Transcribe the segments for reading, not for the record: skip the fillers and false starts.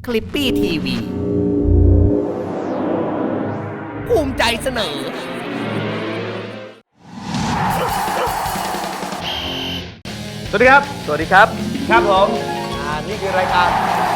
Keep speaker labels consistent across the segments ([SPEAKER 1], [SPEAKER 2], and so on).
[SPEAKER 1] คลิปปี้ทีวีภูมิใจเสนอ
[SPEAKER 2] สวัสดีครับ
[SPEAKER 3] สวัสดีครับ
[SPEAKER 2] ครับผม
[SPEAKER 3] นี่คือรายการ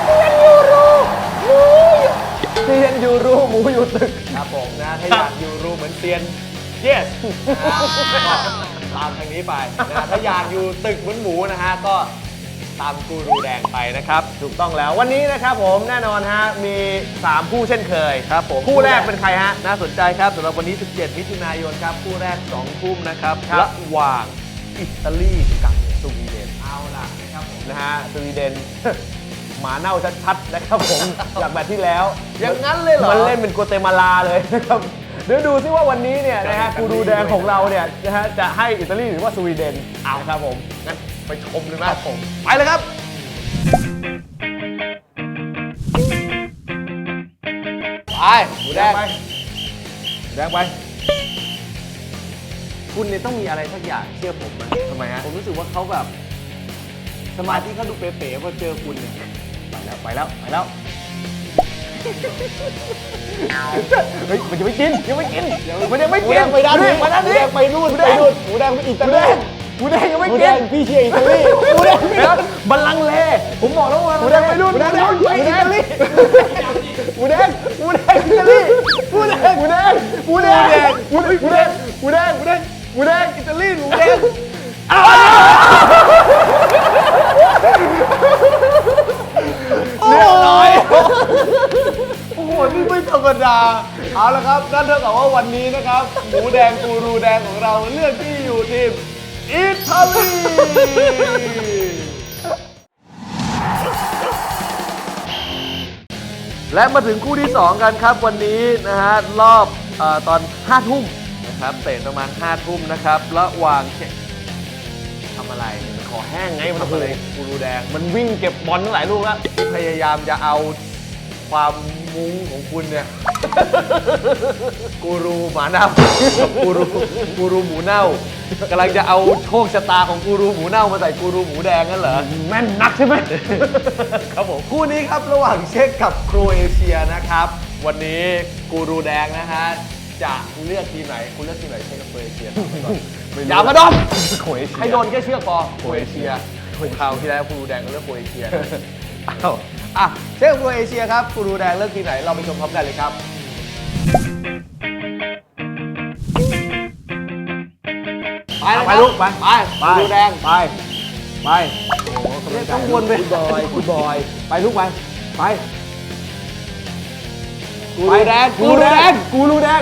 [SPEAKER 2] เซียนยูรูหมูอยู่ตึก
[SPEAKER 3] ครับผมนะถ้าอยากอยู่รูเหมือนเซียน yes ก็ตามทางนี้ไปนะถ้าอยากอยู่ตึกเหมือนหมูนะฮะก็ตามกูรูแดงไปนะครับ
[SPEAKER 2] ถูกต้องแล้ววันนี้นะครับผมแน่นอนฮะมี 3 คู่เช่นเคย
[SPEAKER 3] ครับผม
[SPEAKER 2] คู่แรกเป็นใครฮะ
[SPEAKER 3] น่าสนใจครับสำหรับวันนี้ 17 มิถุนายนครับคู่แรก 2 ทุ่มนะครับ
[SPEAKER 2] ครับ
[SPEAKER 3] ระหว่างอิตาลีกับสวีเดนเอาล่ะนะครับผม
[SPEAKER 2] นะฮะสวีเดน หมาเน่าชัดๆนะครับผม จากแมตช์ที่แล้ว
[SPEAKER 3] อย่างนั้นเลยเหรอ
[SPEAKER 2] มันเล่นเป็นโกเตมาลาเลยนะครับเดี๋ยวดูซิว่าวันนี้เนี่ยนะฮะกูรูแดงของเราเนี่ยนะฮะจะให้อิตาลีหรือว่าสวีเดนเอาครับผมงั้นไปชมเลยนะครับผม
[SPEAKER 3] ไปเลยครับ ไปหมูแดง
[SPEAKER 2] ไปแดงไป
[SPEAKER 3] คุณเนี่ยต้องมีอะไรสักอย่างเชื่อผมนะ
[SPEAKER 2] ทำไมฮะ
[SPEAKER 3] ผมรู้สึกว่าเขาแบบสมาธิเขาดูเป๋ๆพอเจอคุณเนี่ย
[SPEAKER 2] ไปแล้วเฮ้ยมันยังไม่กินมันยังไม่กิน
[SPEAKER 3] ไปด้านนี้
[SPEAKER 2] มาด้านนี้
[SPEAKER 3] ไปนู่นหมูแดงไปอิ
[SPEAKER 2] ห
[SPEAKER 3] ตา
[SPEAKER 2] มูแด
[SPEAKER 3] ลี
[SPEAKER 2] งหมูแดงยังไม่
[SPEAKER 3] หมู
[SPEAKER 2] กิ
[SPEAKER 3] แด
[SPEAKER 2] น
[SPEAKER 3] งพี่เชียร์อิตาลีหมูแดง
[SPEAKER 2] เดี๋ยวบัลลังก์เลผมบอกแล้วว่าหมูแดงไปนู่น
[SPEAKER 3] หมูแดง
[SPEAKER 2] ไปอิตาลีหมูแดงอิตาลีหมูแดงอิตาลีหมูแดงอิตาลีหมูแดงเรียบร้อย
[SPEAKER 3] โอ้โหนี่ไม่ธรรมดาเอาละครับนั่นเท่ากับว่าวันนี้นะครับหมูแดงกูรูแดงของเราเลือกที่อยู่ทีมอิตาลี และมาถึงคู่ที่ 2 กันครับวันนี้นะฮะรอบตอน 5 ทุ่มนะครับเตะประมาณ 5 ทุ่มนะครับระหว่างทำอะไร
[SPEAKER 2] ขอแห้งไงมัน
[SPEAKER 3] ทำอะไรกูรูแดง
[SPEAKER 2] มันวิ่งเก็บบอลตั้งหลายลูกแล้ว
[SPEAKER 3] ที่พยายามจะเอาความมุ้งของคุณเนี่ย กูรูหมาเน่ากับกูรูหมูเน่ากำลังจะเอาโชคชะตาของกูรูหมูเน่ามาใส่กูรูหมูแดงนั่นเหรอ
[SPEAKER 2] แม่นนักใช่ไหม
[SPEAKER 3] ครับผมคู่นี้ครับระหว่างเช็กกับโครเอเชียนะครับ วันนี้กูรูแดงนะฮะจะเลือกทีมไหนคุณเลือกทีมไหนเช็กกับโครเอเชียอย่ามาดม
[SPEAKER 2] โครเอเชีย
[SPEAKER 3] ให้โดนแค่เชือกพอโครเอเชียคราวที่แล้วกูรูแดงก็เลือกโครเอเชียอ้าวอ่ะเช็กกับโครเอเชียครับกูรูแดงเลือกทีมไหนเราไปชมพร้อมกันเลยครับ
[SPEAKER 2] ไปลูกไป
[SPEAKER 3] กูรูแดง
[SPEAKER 2] ไป
[SPEAKER 3] ต้องวนไป
[SPEAKER 2] คุณบอยไปลูกไปไป
[SPEAKER 3] กูรูแดง
[SPEAKER 2] กูรูแดงกูรูแดง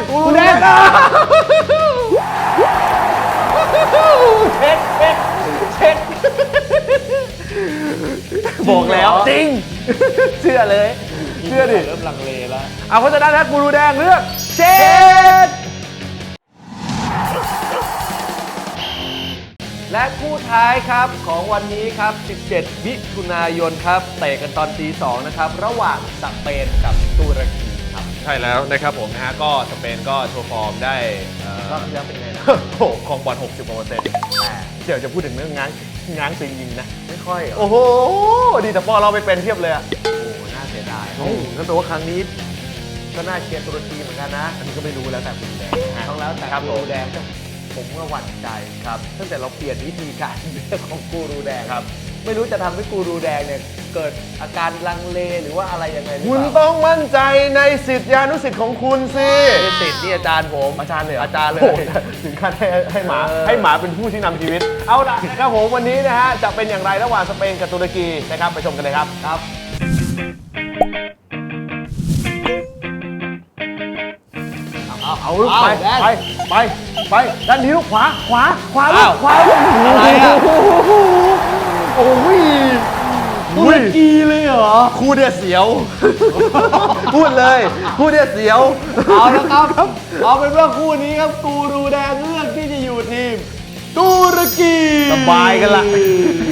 [SPEAKER 3] เช็ค
[SPEAKER 2] บอกแล้วจริงเชื่อเลยเชื่อดิ
[SPEAKER 3] เริ่มลังเลแล้ว
[SPEAKER 2] เอาเพราะฉะนั้นนะกูรูแดงเลือกเช็ด
[SPEAKER 3] และคู่ท้ายครับของวันนี้ครับ 17 มิถุนายนครับเตะกันตอนตี 2 นะครับ ระหว่างสเปนกับตุรกีครับ
[SPEAKER 2] ใช่แล้วนะครับผมนะฮะก็สเปนก็โชว์ฟอร์มได้
[SPEAKER 3] รอบที่แล้วเป็นไงนะ
[SPEAKER 2] โอ้โหครองบอล60%เดี๋ยวจะพูดถึงเรื่องง้างจริงยิงนะ
[SPEAKER 3] ไม่ค่อยเหรอ
[SPEAKER 2] โอ้โหดีแต่พอเราไปเป็นเทียบเลยอะ
[SPEAKER 3] โอ้โหน่าเสียดายนั่นแปลว่าครั้งนี้ก็น่าเชียร์ตุรกีเหมือนกันนะ
[SPEAKER 2] อันนี้ก็ไม่รู้แล้วแต่คุณแดง
[SPEAKER 3] ต้องแล้วแต่
[SPEAKER 2] ครับ
[SPEAKER 3] กูรูแดงผมก็หวั่นใจครับตั้งแต่เราเปลี่ยนวิธีการเลือกของกูรูแดง
[SPEAKER 2] ครับ
[SPEAKER 3] ไม่รู้จะทำให้กูรูแดงเนี่ยเกิดอาการลังเลหรือว่าอะไรยังไงหรือ
[SPEAKER 2] คุณ
[SPEAKER 3] เปล่า
[SPEAKER 2] ต้องมั่นใจในสิทธิานุสิทธิ์ของคุณสิ
[SPEAKER 3] ไม่ได้ติดนี่อาจารย์ผม
[SPEAKER 2] อาจารย์เลย
[SPEAKER 3] อาจารย์เลย
[SPEAKER 2] โโหถึงขั้นให้หมา
[SPEAKER 3] เออ
[SPEAKER 2] ให้หมาเป็นผู้ที่นำชีวิต เอาล่ะนะครับผมวันนี้นะฮะจะเป็นอย่างไรระหว่างสเปนกับตุรกีนะครับไปชมกันเลยครับ
[SPEAKER 3] ครับ
[SPEAKER 2] เอาลูกไป
[SPEAKER 3] แดง
[SPEAKER 2] ไปด้านนี้ลูกขวาลู
[SPEAKER 3] อ้าก ว
[SPEAKER 2] ขวาลูก
[SPEAKER 3] อะไรอะ
[SPEAKER 2] โอ้ย
[SPEAKER 3] ตุรกีเลยเหรอ
[SPEAKER 2] คู่เดียเสียว พูดเลยคู่เดียเสียว
[SPEAKER 3] เอาละครับ เอาเป็นว่าคู่นี้ครับกูรูแดงเลือกที่จะอยู่ทีมตุรกี
[SPEAKER 2] สบายกันละ